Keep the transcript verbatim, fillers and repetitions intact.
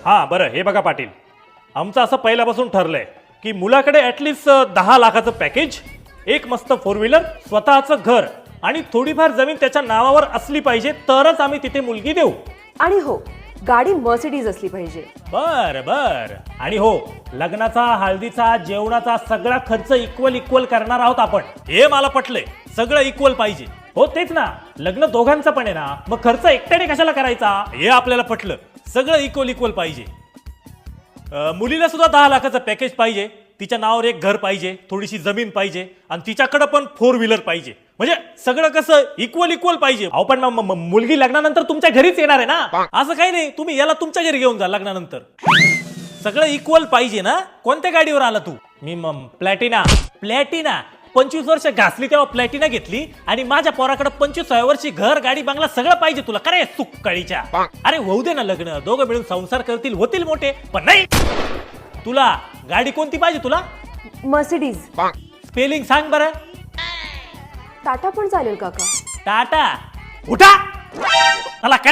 हां बरं, हे बघा पाटील, आमचं असं पहिल्यापासून ठरलंय की मुलाकडे ॲटलिस्ट दहा लाखाचं पॅकेज, एक मस्त फोर व्हीलर, स्वतःचं घर आणि थोडीफार जमीन त्याच्या नावावर असली पाहिजे, तरच आम्ही तिथे मुलगी देऊ. आणि हो, गाडी मर्सिडीज असली पाहिजे. बर बर. आणि हो, लग्नाचा, हळदीचा, जेवणाचा सगळा खर्च इक्वल इक्वल करणार आहोत आपण. हे मला पटलंय, सगळं इक्वल पाहिजे. हो तेच ना, लग्न दोघांचं पण आहे ना, मग खर्च एकट्याने कशाला करायचा, हे आपल्याला पटलं. सगळं इक्वल इक्वल पाहिजे. अं, मुलीला सुद्धा दहा लाखाचं पॅकेज पाहिजे, तिच्या नावावर एक घर पाहिजे, थोडीशी जमीन पाहिजे आणि तिच्याकडे पण फोर व्हीलर पाहिजे. म्हणजे सगळं कसं इक्वल इक्वल पाहिजे. अहो पण म- म- मुलगी लग्नानंतर तुमच्या घरीच येणार आहे ना, असं काही नाही, तुम्ही याला तुमच्या घरी घेऊन जा लग्नानंतर. सगळं इक्वल पाहिजे ना. कोणत्या गाडीवर आला तू? मी मग प्लॅटिना. प्लॅटिना पंचवीस वर्ष घासली तेव्हा प्लॅटिना घेतली आणि माझ्या पोराकडे पंचवीसाव्या वर्षी घर, गाडी, बंगला सगळं पाहिजे तुला. करे सुक्काळीच्या. अरे होऊ दे ना लग्न, दोघं मिळून संसार करतील, होतील मोठे. पण नाही, तुला गाडी कोणती पाहिजे तुला? मर्सिडीज. स्पेलिंग सांग बरं. टाटा पण चालेल काका. टाटा. उठा मला